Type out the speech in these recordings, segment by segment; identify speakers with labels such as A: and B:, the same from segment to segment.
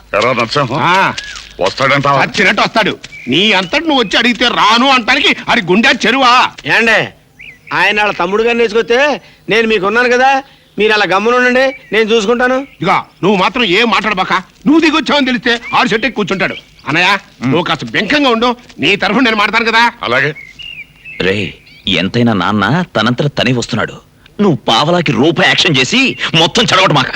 A: వస్తాడంట
B: వచ్చినట్టు వస్తాడు. నీ అంతటి నువ్వు వచ్చి అడిగితే రాను అంటానికి అది గుండె చెరువా.
C: ఏండే ఆయన వాళ్ళ తమ్ముడు గారిని వేసుకొస్తే నేను మీకున్నాను కదా, మీరు అలా గమ్మునుండండి, నేను చూసుకుంటాను.
B: ఇదిగా నువ్వు మాత్రం ఏం మాట్లాడబాక. నువ్వు దిగొచ్చావని తెలిస్తే ఆడు చెట్టు కూర్చుంటాడు. అన్నయ్య నువ్వు కాస్త బెంకంగా ఉండు, నీ తరఫున నేను మాట్లాడతాను కదా.
A: అలాగే
D: రే, ఎంతైనా నాన్న తనంతట తనే వస్తున్నాడు. నువ్వు పావలాకి రూపాయి యాక్షన్ చేసి మొత్తం చెడగొట్టు మాక.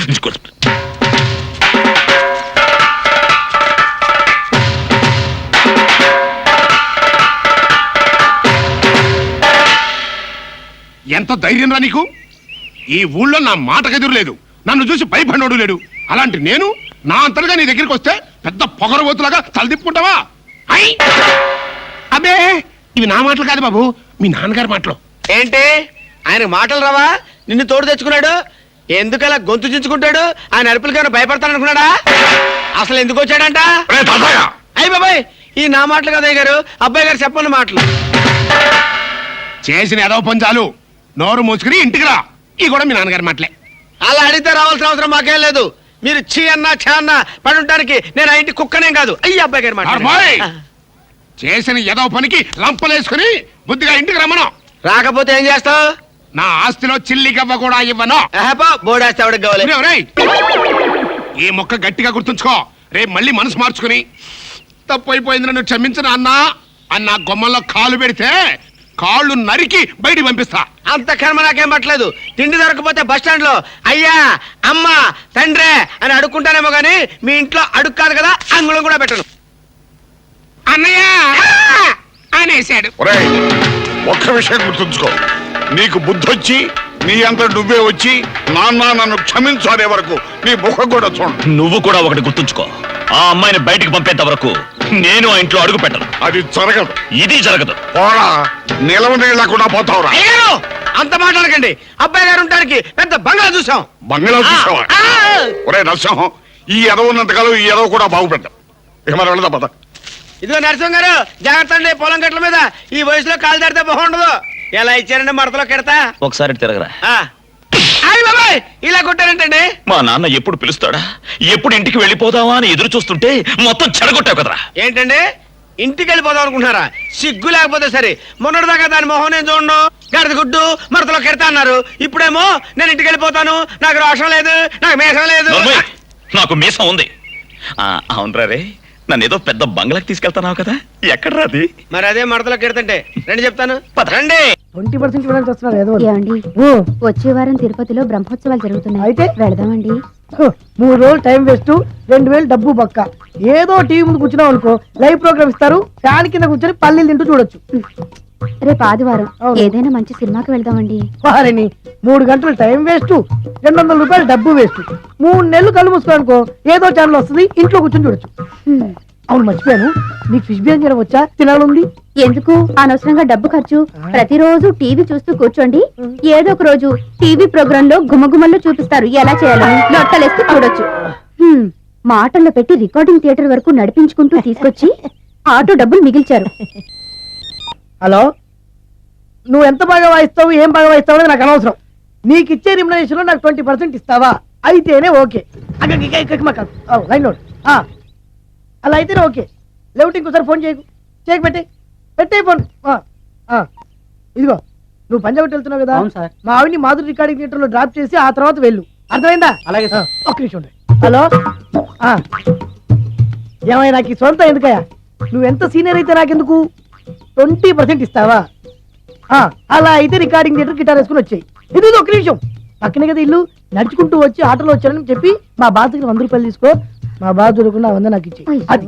B: ఎంత ధైర్యం రా నీకు? ఈ ఊళ్ళో నా మాటకెదురు లేదు, నన్ను చూసి భయపడినోడు లేడు. అలాంటి నేను నా అంతలుగా నీ దగ్గరికి వస్తే పెద్ద పొగరబోతులాగా తలదిప్పుకుంటావా? అబ్బే, ఇవి నా మాటలు కాదు బాబు, మీ నాన్నగారి మాటలు.
C: ఏంటి ఆయన మాటలు రావా? నిన్ను తోడు తెచ్చుకున్నాడు, ఎందుకలా గొంతు చించుకుంటాడు? ఆయన అరుపులకైనా భయపడతాననుకున్నాడా? అసలు ఎందుకు వచ్చాడంట? అయ్యి బాబాయ్, ఈ నా మాటలు కదా గారు, అబ్బాయి గారు చెప్పండి మాటలు.
B: చేసిన ఏదో పని చాలు, నోరు మూసుకుని ఇంటికి రా. ఈ కూడా మీ నాన్నగారి మాటలే.
C: అలా అడిగితే రావాల్సిన అవసరం మాకేం లేదు. మీరు చీ అన్నా ఛా అన్నా పడుంటానికి నేను ఆ ఇంటి కుక్కనేం కాదు. అయ్యి అబ్బాయి గారి మాట.
B: చేసిన ఏదో పనికి లంపలేసుకుని బుద్ధిగా ఇంటికి రమ్మను.
C: రాకపోతే ఏం చేస్తావు?
B: నా ఆస్తిలో చిల్లి గవ్వ కూడా ఇవ్వను.
C: బోడేస్తే ఎవరికి కావాలి?
B: ఈ మొక్క గట్టిగా గుర్తుంచుకో. రేపు మళ్ళీ మనసు మార్చుకుని తప్పు అయిపోయింది నన్ను క్షమించిన అన్నా అన్న గొమ్మల్లో కాలు పెడితే కాళ్ళు నరికి బయటికి పంపిస్తా.
C: అంత కర్మ నాకేం పట్టలేదు. తిండి దొరకపోతే బస్ స్టాండ్ లో అయ్యా అమ్మ తండ్రే అని అడుక్కుంటానేమో గానీ మీ ఇంట్లో అడుగు కాదు కదా, అంగుళం కూడా పెట్టను.
B: అన్నయ్య అనేశాడు.
A: ఒక్క విషయం గుర్తుంచుకో, నీకు బుద్ధొచ్చి నీ అంత నువ్వే వచ్చి నాన్న నన్ను క్షమించు అనే వరకు నీ ముఖం కూడా చూడు.
D: నువ్వు కూడా ఒకటి గుర్తుంచుకో, ఆ అమ్మాయిని బయటికి పంపేంత వరకు నేను ఆ ఇంట్లో అడుగు పెట్టను.
A: అది జరగదు.
D: ఇది జరగదు.
A: పోరా, నిలవ నీళ్ళకుండా పోతావురా.
C: అంత మాట్లాడకండి. అబ్బాయి గారు ఉండడానికి పెద్ద బంగ్లా చూసాం.
A: బంగ్లా చూసావా? ఒరే నరసింహం, ఈ ఎదవ ఉన్నంతకాలం ఈ ఎదవ కూడా బాగుపడ్డాం. ఇక మనం వెళదాం పద.
C: ఇదిగో నరసింహ గారు, జాగ్రత్త అండి, పొలం గట్ల మీద ఈ వయసులో కాలు దాడితే బాగుండదు. ఎలా ఇచ్చారండి మడతలో కెడతా?
D: ఒకసారి తిరగరా.
C: బాబాయ్ ఇలా కొట్టారంటండి.
D: మా నాన్న ఎప్పుడు పిలుస్తాడా, ఎప్పుడు ఇంటికి వెళ్ళిపోదావా అని ఎదురు చూస్తుంటే మొత్తం చెడగొట్టావు కదరా.
C: ఏంటండి ఇంటికి వెళ్ళిపోదాం అనుకుంటున్నారా? సిగ్గు లేకపోతే సరే. మొన్నటిదాకా దాని మొహం నేను చూడను, గడద గుడ్డు మడతలో కెడతా అన్నారు. ఇప్పుడేమో నేను ఇంటికి వెళ్ళిపోతాను, నాకు రోషం లేదు, నాకు మీసం లేదు.
D: నాకు మీసం ఉంది. అవునరా రే, నన్ను ఏదో పెద్ద బంగ్లాకి తీసుకెళ్తానావు కదా, ఎక్కడ రాది?
C: మరి అదే మడతలో కెడతంటే రండి చెప్తాను. రండి.
E: 20% ఇవ్వడానికి వస్తున్నారు. ఏమండి, వచ్చే వారం తిరుపతిలో బ్రహ్మోత్సవాలు జరుగుతున్నాయి, అయితే వెళదామండి. 3 రోజులు టైం వేస్ట్, 2000 డబ్బు పక్క. ఏదో టీవీ ముందు కూర్చున్నావు అనుకో, లైవ్ ప్రోగ్రామ్ ఇస్తారు, ఫ్యాన్ కింద కూర్చొని పల్లీలు తింటూ చూడొచ్చు. రేపు ఆదివారం ఏదైనా మంచి సినిమాకి వెళ్దామండి. వారిని 3 గంటలు టైం వేస్ట్, 200 రూపాయలు డబ్బు వేస్ట్. 3 నెలలు కళ్ళు మూసుకో అనుకో, ఏదో ఛానల్ వస్తుంది, ఇంట్లో కూర్చొని చూడొచ్చు. అవును, మర్చిపోయాను, నీకు ఫిష్ బిర్యానీ చేయడం వచ్చా? తినాలుంది. ఎందుకు అనవసరంగా డబ్బు ఖర్చు? ప్రతిరోజు టీవీ చూస్తూ కూర్చోండి, ఏదో ఒక రోజు టీవీ ప్రోగ్రామ్ లో గుమగుమల్లో చూపిస్తారు ఎలా చేయాలో, లొట్టలేస్తూ చూడొచ్చు. మాటల్లో పెట్టి రికార్డింగ్ థియేటర్ వరకు నడిపించుకుంటూ తీసుకొచ్చి ఆటో డబ్బులు మిగిల్చారు. హలో, నువ్వు ఎంత బాగా వాయిస్తావు, ఏం బాగా వాయిస్తావు అనేది నాకు అనవసరం. నీకు ఇచ్చే రిమ్యునరేషన్ లో నాకు 20% ఇస్తావా? అయితేనే ఓకే. లైన్ లో అలా అయితేనే ఓకే. లేవుటి ఇంకోసారి ఫోన్ చేయకు, పెట్టే ఫోన్. ఇదిగో, నువ్వు పంజాబ్ వెళ్తున్నావు కదా, మా ఆవిడ్ని మాధురి రికార్డింగ్ థియేటర్ లో డ్రాప్ చేసి ఆ తర్వాత వెళ్ళు, అర్థమైందా? అలాగే సార్. ఒక్క నిమిషం ఉండండి. హలో, ఏమైనా నాకు సొంత ఎందుకయ్యా? నువ్వు ఎంత సీనియర్ అయితే నాకెందుకు? 20% ఇస్తావా? అలా అయితే రికార్డింగ్ థియేటర్ గిటార్ వేసుకుని వచ్చాయి. ఇది ఒక్క నిమిషం, పక్కనే కదా ఇల్లు, నడుచుకుంటూ వచ్చి ఆటోలో వచ్చానని చెప్పి మా బాస్ దగ్గర 100 రూపాయలు తీసుకో. మా బాస్ దొరకకుండా 100 నాకు ఇచ్చి. అది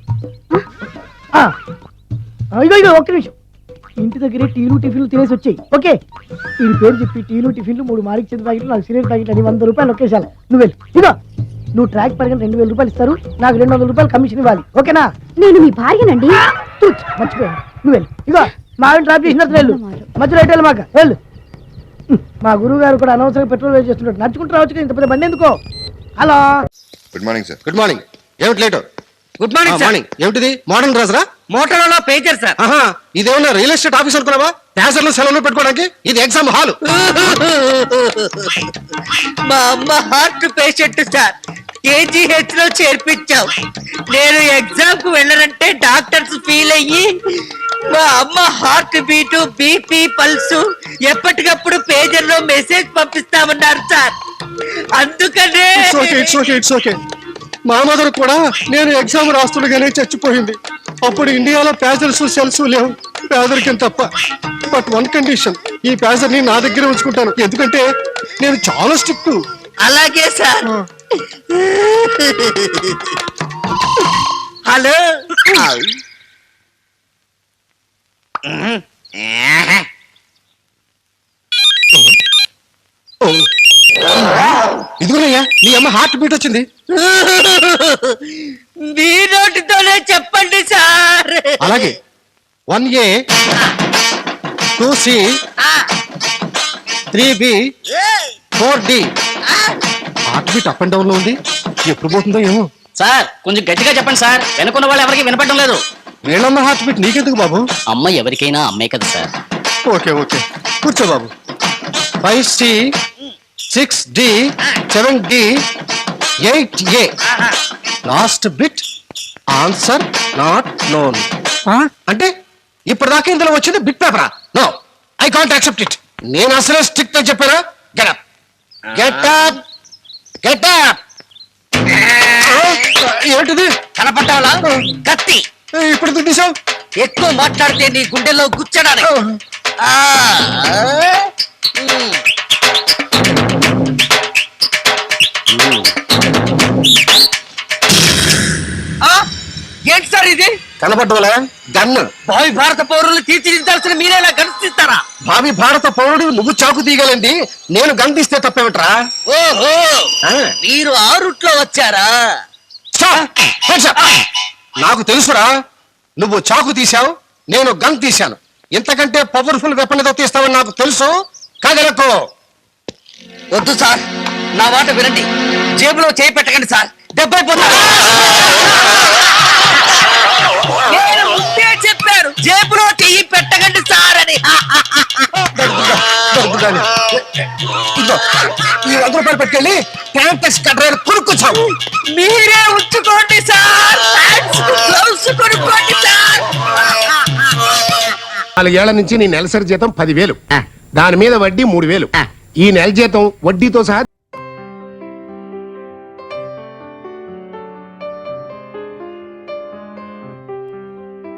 E: ఇగో ఒక్క నిమిషం, ఇంటి దగ్గరే టీలు టిఫిన్లు తినేసి వచ్చాయి. ఓకే, ఈ పేరు చెప్పి టీలు టిఫిన్లు 3 మారిక్ చేతి ప్యాకెట్లు, 4 సిగరెట్ ప్యాకెట్లు అని 100 రూపాయలు ఒకేసారి. నువ్వు వెళ్ళు. ఇగో, నువ్వు ట్రాక్ పరంగా 2000 రూపాయలు ఇస్తారు, నాకు 200 రూపాయలు కమిషన్ ఇవ్వాలి. ఓకేనా? నేను మీ భార్యనండి. మర్చిపోయాను, నువ్వు వెళ్ళు. ఇగో, మా ఆవిడ ట్రాప్ చేసినట్టు వెళ్ళు, మధ్యలో ఎటు వెళ్ళమాక, వెళ్ళు. మా గురువు గారు కూడా అనవసరంగా పెట్రోల్ వేస్ట్ చేస్తున్నాడు, నడుచుకుంటూ రావచ్చు, ఇంత పెద్ద బండి ఎందుకో. Hello,
F: good morning sir. Good morning. ఏమిటి లేటు?
C: Good morning morning.
F: ఏమిటిది? మోడర్న్ డ్రెస్ రా?
C: మోటార్ పేచర్ సార్.
F: ఇదేమన్నా రియల్ ఎస్టేట్ ఆఫీస్ అనుకున్నావా? ప్యాసర్లు సెలవులు పెట్టుకోవడానికి? ఇది ఎగ్జామ్ హాల్.
C: మా అమ్మ హార్ట్ పేషెంట్ సార్,
G: కేజీహెచ్ లో చేర్పించావు. నేను ఎగ్జామ్ కు వెళ్ళనంటే డాక్టర్స్ ఫీల్ అయ్యి మా అమ్మ హార్ట్ బీటు బీపీ పల్సు ఎప్పటికప్పుడు పేజర్ లో మెసేజ్ పంపిస్తామన్నారు సార్. అందుకనే
F: ఇట్స్ ఓకే. మా మదర్ కూడా నేను ఎగ్జామ్ రాస్తుండగానే చచ్చిపోయింది. అప్పుడు ఇండియాలో పేజర్స్ సెల్స్ లేవు, పేదరికం తప్ప. బట్ వన్ కండిషన్, ఈ పేజర్ ని నా దగ్గర ఉంచుకుంటాను, ఎందుకంటే నేను చాలా స్ట్రిక్ట్.
G: అలాగే సార్. హలో
F: ఇదిగోనయ్యా నీ అమ్మ హార్ట్ బీట్ వచ్చింది.
G: మీ నోటితోనే చెప్పండి సార్.
F: అలాగే 1A 2C 3B 4D. Heart beat up and down లో ఉంది, ఎప్పుడు పోతుందో ఏమో.
H: సార్ కొంచెం గట్టిగా చెప్పండి సార్, వెనుకున్న వాళ్ళు ఎవరికి వినపడడం లేదు.
F: వీళ్ళమ్మ హార్ట్ బీట్ నీకెందుకు బాబు?
H: అమ్మ ఎవరికైనా అమ్మే కదా సార్.
F: ఓకే కూర్చో బాబు. 5C 6D 7D 8A. Last bit answer not known. అంటే ఇప్పటిదాకా ఇందులో వచ్చింది బిట్ పేపరా? No, I can't accept it. నేను అసలే స్ట్రిక్ట్ అని చెప్పారా? Get up get up get up. ఏంటిది?
G: కనపడ్డావా? కత్తి.
F: ఇప్పుడు ఎందుకు తీసావు?
G: ఎక్కువ మాట్లాడితే నీ గుండెల్లో గుచ్చడానికి. ఆ, ఆ, ఏంటి సార్ ఇది?
F: కనపడ్డవలే గన్ను.
G: భావి భారత పౌరులు తీర్చిదిద్దాల్సిన మీరేలా గణిస్తారా?
F: భావి భారత పౌరుడు నువ్వు చాకు తీయగలండి, నేను గన్ తీస్తే తప్పేమిట్రా?
G: ఓహో,
F: ఆ.
G: మీరు ఆ రూట్ లో వచ్చారా?
F: Stop! Hands up! నాకు తెలుసురా, నువ్వు చాకు తీశావు, నేను గన్ తీశాను. ఇంతకంటే పవర్ఫుల్ వెపన్ ఏదో తీస్తావని నాకు తెలుసు. కాదనుకో.
G: వద్దు సార్, నా మాట వినండి. జేబులో చేయి పెట్టకండి సార్, దెబ్బైపోతారు. నేను ముందే చెప్పాను, జేబులో చెయ్యి పెట్టకండి సార్ అని.
F: ఇదిగో, ఈ 100 రూపాయలు పెట్టుకెళ్ళి ట్యాంకర్స్ కట్టర్ కొనుక్కొచ్చావు.
G: మీరే ఉంచుకోండి సార్. గ్లౌస్ కొనుక్కోండి సార్.
B: 4 ఏళ్ల నుంచి నీ నెలసరి జీతం 10,000, దాని మీద వడ్డీ 3,000. ఈ నెల జీతం వడ్డీతో సహా